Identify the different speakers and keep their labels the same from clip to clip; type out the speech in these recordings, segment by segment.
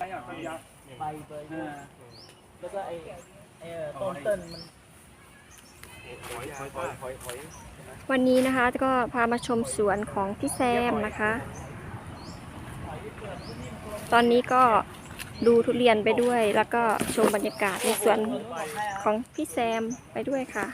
Speaker 1: ใบเบยแล้วก็ต้นเติ้ลมัน
Speaker 2: วันนี้นะคะก็พามาชมสวนของพี่แซมนะคะ ตอนนี้ก็ดูทุเรียนไปด้วย แล้วก็ชมบรรยากาศในสวนของพี่แซมไปด้วยค่ะ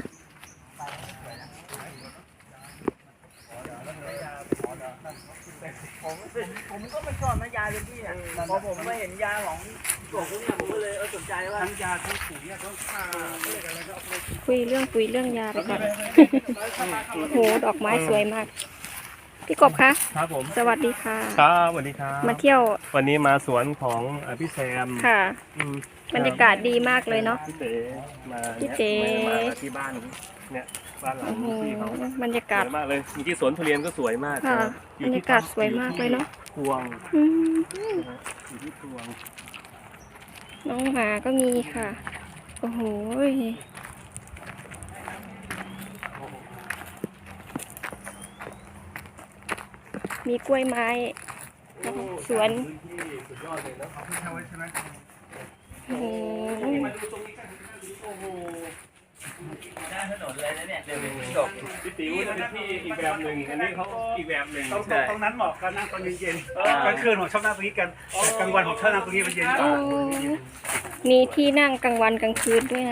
Speaker 1: ผมก็ไม่ชอบนะยาเป็นที่อ่ะพอผมมาเห็นยาของพวกนี้ผมก็เลยสนใจว่าทั้งยาทั้งปุ๋ยเนี่ยเขาฆ่าอะไรก็เอาไป
Speaker 2: คุยเรื่องปุ๋ยเรื่องยาไปก่อนโอ้โหดอกไม้สวยมากพี่กบคะ
Speaker 3: ครับผม
Speaker 2: สวัสดีค่ะ
Speaker 3: ครับสวัสดีครับ
Speaker 2: มาเที่ยว
Speaker 3: วันนี้มาสวนของพี่แซม
Speaker 2: ค่ะบรรยากาศดีมากเลยเนาะ
Speaker 3: พี่เต๋มา
Speaker 2: พี่เต๋
Speaker 3: มาที่บ้านเนี่ยบ้านหลัง
Speaker 2: โอ้โห
Speaker 3: ที่เขา
Speaker 2: บรรยา
Speaker 3: ส
Speaker 2: กาศ
Speaker 3: วยมากเลยเมื่อกี้สวนทุเรียนก็สวยมาก
Speaker 2: ค่ะ
Speaker 3: อบ
Speaker 2: รรยากาศสวยมากเลยเนาะ
Speaker 3: พวง
Speaker 2: อืม
Speaker 3: อยู่ที่พวง
Speaker 2: น้องหมาก็มีค่ะ โอ้โหมีกล้วยไม้สวนโอ้โห
Speaker 1: ด้านถนนเลยนะเนี่ยเดี๋ยวจบ
Speaker 3: พี่ติ๋วจะเป็นที่อีกแบบหนึ่งอันนี้เขาอีกแบบหนึ่ง
Speaker 4: ตรงนั้นเหมาะกันนั่งตอนเย็นๆกลางคืนผมชอบนั่งตรงนี้กันแต่กลางวันผมชอบนั่งตรงนี้มันเย็นก
Speaker 2: โอ้
Speaker 4: ว่า
Speaker 2: มีที่นั่งกลางวันกลางคืนด้วยนะ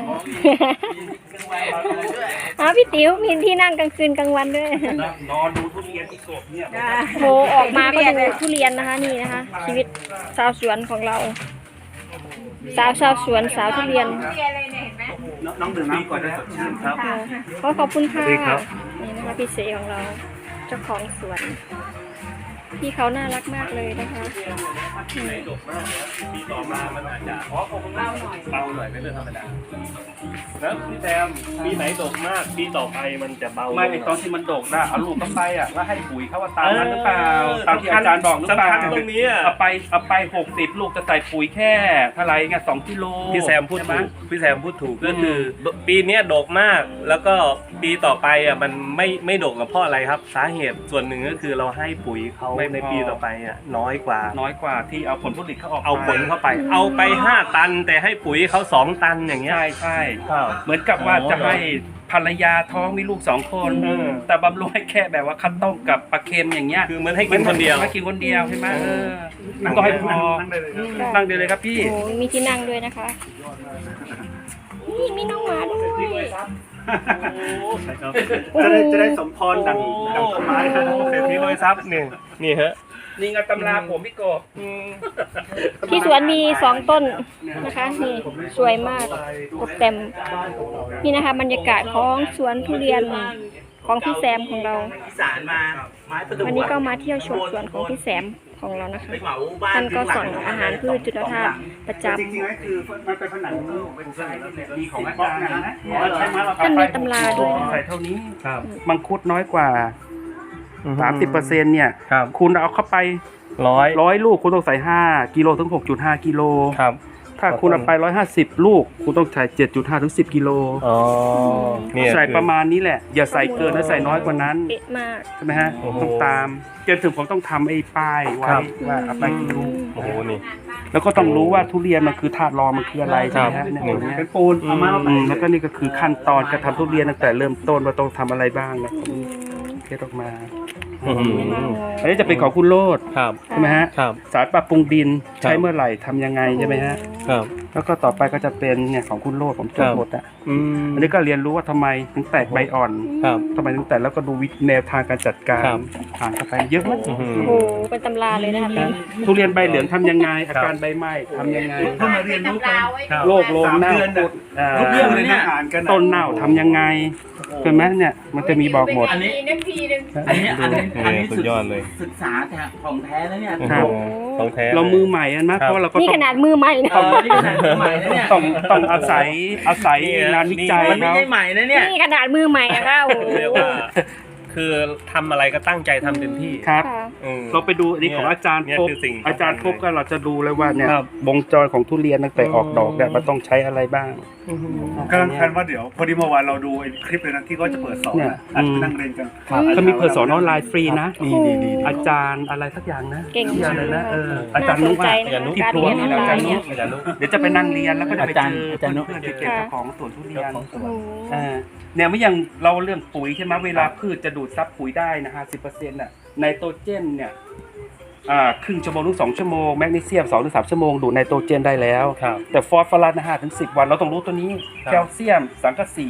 Speaker 2: พี่ติ๋วมีที่นั่งกลางคืนกลางวันด้วย
Speaker 4: นอนดูทุเรียนที่โกบเนี่ย
Speaker 2: โหออกมาก็ดูทุเรียนนะคะนี่นะคะ ชีวิตชาวสวนของเรา สาวสวนสาวทุเรียน
Speaker 4: น้องดื่มน้ำก่อนได้สดชื่นครับ
Speaker 2: ขอบคุณค่ะ
Speaker 3: สวัสดีครับ
Speaker 2: นี่นะคะพี่เสของเราเจ้าของสวนพี่เขาน่ารักมากเลยนะคะ
Speaker 3: ไหนดกมากนะปีต่อมามันอาจจะเบาหน่อยเป็นเรื่องธรรมดาแล้วพี่แซมปีไหนดกมากปีต่อไปมันจะเบา
Speaker 4: ไม่ตอนที่มันโดกได้เอาลูกเข้าไปอ่ะแล้วให้ปุ๋ยเขาว่าตามนั้นหรือเปล่าตามที่อาจารย์บอกหรือเปล่า
Speaker 3: สำคัญตรงนี้อ่ะ
Speaker 4: เอาไป60 ลูกจะใส่ปุ๋ยแค่เท่าไหร่ไง2 กิโล
Speaker 3: พี่แซมพูดถูกพี่แซมพูดถูกก็คือปีเนี้ยดกมากแล้วก็ปีต่อไปอ่ะมันไม่ดกกับเพราะอะไรครับ สาเหตุส่วนหนึ่งก็คือเราให้ปุ๋ยเขาในปีต่อไปอ่ะน้อยกว่า
Speaker 4: น้อยกว่าที่เอาผลผลิตเขาออก
Speaker 3: เอาผลเข้าไปเอาไป5 ตัน แต่ให้ปุ๋ยเขา2 ตันอย่างเงี้ย
Speaker 4: ใช่
Speaker 3: ครับ
Speaker 4: เหมือนกับว่าจะให้ภรรยาท้องมีลูก2 คน แต่บำรุงให้แค่แบบว่าข้าวต้มกับปลาเค็มอย่างเงี้ย
Speaker 3: คือมันให้กินคนเดียว
Speaker 4: ให้กินคนเดียวใช่ไหมก็ให้พอนั่งเดียวเลยครับพี่
Speaker 2: โอ้โหมีที่นั่งด้วยนะคะนี่มีน้องหมาด้วย
Speaker 4: จะได้สมพรดังต้นไม้ครับ
Speaker 3: เศรษฐีรวยทรัพย์นี่ฮะ
Speaker 4: นี่ไงตำราผมพี่กบ
Speaker 2: ที่สวนมี2 ต้นนะคะนี่สวยมากตกแต่มนี่นะคะ บรรยากาศของสวนทุเรียนของพี่แซมของเรา
Speaker 1: อีสานมาไม้ประดู่
Speaker 2: วันนี้ก็มาเที่ยวชมสวนของพี่แซมของเรานะคะ
Speaker 1: ไปเหมาบ้าน
Speaker 2: ท่านก็สั่งอาหารพืชจุลธาตุประจ
Speaker 4: จริงๆแล้วคือมันเป็นผนังมีของอาจารย์นะใช่ไหมเรา
Speaker 2: ำท่านมีตำราด้วยนะ
Speaker 4: ใส่
Speaker 2: คะ
Speaker 4: เท่านี้
Speaker 3: ครับ
Speaker 4: มังคุดน้อยกว่า 30%เนี่ย
Speaker 3: ครับ
Speaker 4: คุณเอาเข้าไป
Speaker 3: 100
Speaker 4: ลูกคุณต้องใส่5 กิโลถึง 6.5 กิโล
Speaker 3: ครับ
Speaker 4: ถ้าคุณเอาไป150 ลูกคุณต้องใส่7.5 ถึง 10 กิโล
Speaker 3: อ๋อเนี่ย
Speaker 4: ใส่ประมาณนี้แหละ อย่าใส่เกินและใส่น้อยกว่านั้น
Speaker 2: เป๊ะมาก
Speaker 4: ใช่ไหมฮะ
Speaker 3: โอ้โห
Speaker 4: ต้องตามจนถึงผมต้องทำไอ้ป้ายไว้
Speaker 3: ครับ
Speaker 4: ว่าเอาไปกี่ลูก
Speaker 3: โอ้โหนี่
Speaker 4: แล้วก็ต้องรู้ว่าทุเรียนมันคือธาตุรองมันคืออะไรใช่ไหมฮะเนี่ยตรงเนี้ยเป็นปูนแล้วก็นี่ก็คือขั้นตอนการทำทุเรียนตั้งแต่เริ่มต้นว่าต้องทำอะไรบ้างนะเทสออกมา
Speaker 3: อื้อหือ
Speaker 4: อันนี้จะเป็นของคุณโลด
Speaker 3: ครับ
Speaker 4: ใช่ไหมฮะ
Speaker 3: ครับ
Speaker 4: สารปรับปรุงดิน
Speaker 3: ครับ
Speaker 4: ใช้เมื่อไหร่ทำยังไงใช่ไหมฮะ
Speaker 3: ครับ
Speaker 4: แล้วก็ต่อไปก็จะเป็นเนี่ยของคุณโลดผมจดหมดอ่ะ
Speaker 3: อืม
Speaker 4: อันนี้ก็เรียนรู้ว่าทำไมถึงแตกใบอ่อน
Speaker 3: ครับ
Speaker 4: ทำไมถึงแตกแล้วก็ดูแนวทางการจัดการ
Speaker 3: ครับ
Speaker 4: อ่านเข้าไปเยอะมาก
Speaker 3: อื้อหือ
Speaker 2: โอ้โหเป็นตำราเลยนะคะ
Speaker 4: ทุเรียนใบเหลืองทำยังไง อาการใบไหม้ทำยังไง
Speaker 1: เพิ่งมาเรียนรู้กัน
Speaker 3: ครับ
Speaker 4: โรคโลงเน่าพุด
Speaker 1: เรื่องเลยเนี่ย
Speaker 4: ต้นเน่าทำยังไงเห็นไหมเนี่ยมันจะมีบอกหมด
Speaker 1: อันนี้
Speaker 3: สุดยอดเลย
Speaker 1: ศึกษาแต่ของแท้แล้วเนี่ย
Speaker 4: ครับ
Speaker 3: ของแท้
Speaker 4: เรามือใหม่นะ
Speaker 3: ครั
Speaker 4: เพ
Speaker 3: บ
Speaker 4: ราะเราก็
Speaker 2: นี่
Speaker 4: ต้อ
Speaker 2: ข
Speaker 4: ง
Speaker 2: นาดมือใหม่นะ
Speaker 1: นี่ขนาดใหม่นะเนี่ย
Speaker 4: ต้องอาศัยงานวิจัย
Speaker 1: มันไม่
Speaker 4: เขา
Speaker 1: ใช่ใหม่นะเนี่ย
Speaker 2: นี่ขนาดมือใหม่อะค่ะโอ้โห
Speaker 3: เรียกว่าคือทำอะไรก็ตั้งใจทำเต็มที่
Speaker 4: ครับ
Speaker 2: ค่ะ
Speaker 3: เ
Speaker 4: เราไปดูอันนี้ของอาจารย์
Speaker 3: เนี่ย
Speaker 4: พบ
Speaker 3: คือสิ่ง
Speaker 4: อาจารย์พบก็เราจะดูเลยว่าเนี่ย
Speaker 1: ครับ
Speaker 4: วงจรของทุเรียนตั้งแต่ออกดอกเนี่ยมันต้องใช้อะไรบ้าง
Speaker 5: กำลังแพลนว่าเดี๋ยวพอดีเมื่อวานเราดูไอ้คลิปเลยนะที่ก็จะเปิดสอน
Speaker 4: เนี่ย
Speaker 5: นะอาจจะไปนั่งเรียนกัน
Speaker 4: เขามีเปิดสอนออนไลน์ฟรีนะ
Speaker 2: ดีดีดี
Speaker 4: อาจารย์อะไรสักอย่างนะ
Speaker 2: เก่ง
Speaker 4: ชื่ออะไรนะ อา
Speaker 2: น่า
Speaker 4: จารย์
Speaker 2: ส
Speaker 4: นุ๊
Speaker 2: น
Speaker 4: ก
Speaker 2: ใจ
Speaker 4: อะ
Speaker 2: นะคะ
Speaker 4: ที่
Speaker 2: การ
Speaker 4: พว
Speaker 2: เรีย
Speaker 4: ง
Speaker 2: นอ
Speaker 4: นี่
Speaker 2: อน
Speaker 4: อา
Speaker 2: ไล
Speaker 4: จาร
Speaker 2: น์
Speaker 4: ย์นุ๊
Speaker 2: เนี่ย
Speaker 4: กเดี๋ยวจะไปนั่งเรียนแล้วก็จะไปเจอ
Speaker 1: อาจารย์นุ๊ก
Speaker 4: เพื่อนที่เป็นเจ้าของสวนทุเรียน
Speaker 2: โอ้โห
Speaker 4: เนี่ยไม่อย่างเราเรื่องปุ๋ยใช่ไหมเวลาพืชจะดูดซับปุ๋ยได้นะ50%น่ะไนโตรเจนเนี่ยครึ่งชั่วโมงถึง2 ชั่วโมงแมกนีเซียม2 ถึง 3 ชั่วโมงดูดไนโตรเจนได้แล้ว
Speaker 3: ครับ
Speaker 4: แต่ฟอสฟอรัสนะ5 ถึง 10 วันเราต้องรู้ตัวนี้
Speaker 3: ครับ
Speaker 4: แคลเซียมสังกะสี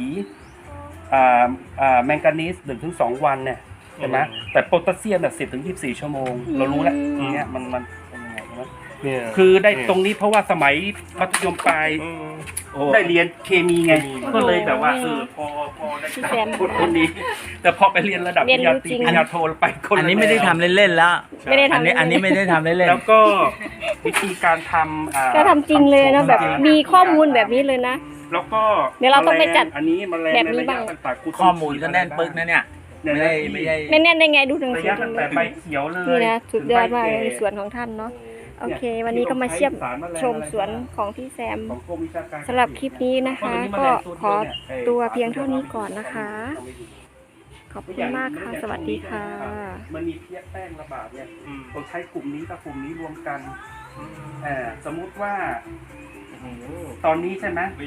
Speaker 4: แมงกานีส1 ถึง 2 วันเนี่ยใช่ไหมแต่โพแทสเซียมเนี่ย10 ถึง 24 ชั่วโมงเรารู้แล้วเนี่ยมันเป็นยังไงนะ
Speaker 3: เนี่ย
Speaker 4: คือได้ตรงนี้เพราะว่าสมัยมัธยมปลายได้เรียนเคมีไงก็เลยแบบว่าพอได้
Speaker 2: พี่แซม
Speaker 4: คนนี้ แต่พอไปเรียนระดับป
Speaker 2: เรียน
Speaker 4: ริญญา
Speaker 2: รู้
Speaker 4: ตรี
Speaker 2: จริง
Speaker 4: ปริญญาโทไปคนละ
Speaker 1: อันนี้ไม่ได้ทำเล่นๆแล้ว
Speaker 2: ไม่ได้ทำ
Speaker 1: อันนี้ไม่ได้ทำเล่น
Speaker 4: แล้วก็วิธีการทำ
Speaker 2: ก็ทำจริงเลยนะแบบมีข้อมูลแบบนี้เลยนะ
Speaker 4: แล้วก็
Speaker 2: เดี๋ยวเราต้องไปจัด
Speaker 4: อันนี้แมลง
Speaker 2: แบบนี้บ้าง
Speaker 4: ในระยะต่างๆ
Speaker 1: ๆข้อมูลก็แน่นปึกนะเนี่ยไม่ได้
Speaker 2: ไม่แน่นได้ไงดูหนัง
Speaker 4: ระ
Speaker 2: สือย
Speaker 4: ะ
Speaker 2: ตร
Speaker 4: ตั้
Speaker 2: ง
Speaker 4: ง
Speaker 2: นี้
Speaker 4: แต่ใบเขียวเลย
Speaker 2: นี่นะสุดยอดมากเลยใน
Speaker 4: ถึงใบ
Speaker 2: สวนของท่านเนาะโอเค วันนี้ก็มาเชี่ยมชมสวนของพี่แซม
Speaker 4: ของกรมวิชาการ
Speaker 2: สำหรับคลิปนี้นะคะ ก็ขอตัวเพียงเท่านี้ก่อนนะคะ ขอบคุณมากค่ะ สวัสดีค่ะ
Speaker 4: มันมีเพี้ยแป้งระบาดเนี่ยเราใช้กลุ่มนี้กับกลุ่มนี้รวมกันสมมุติว่าตอนนี้ใช่ไหม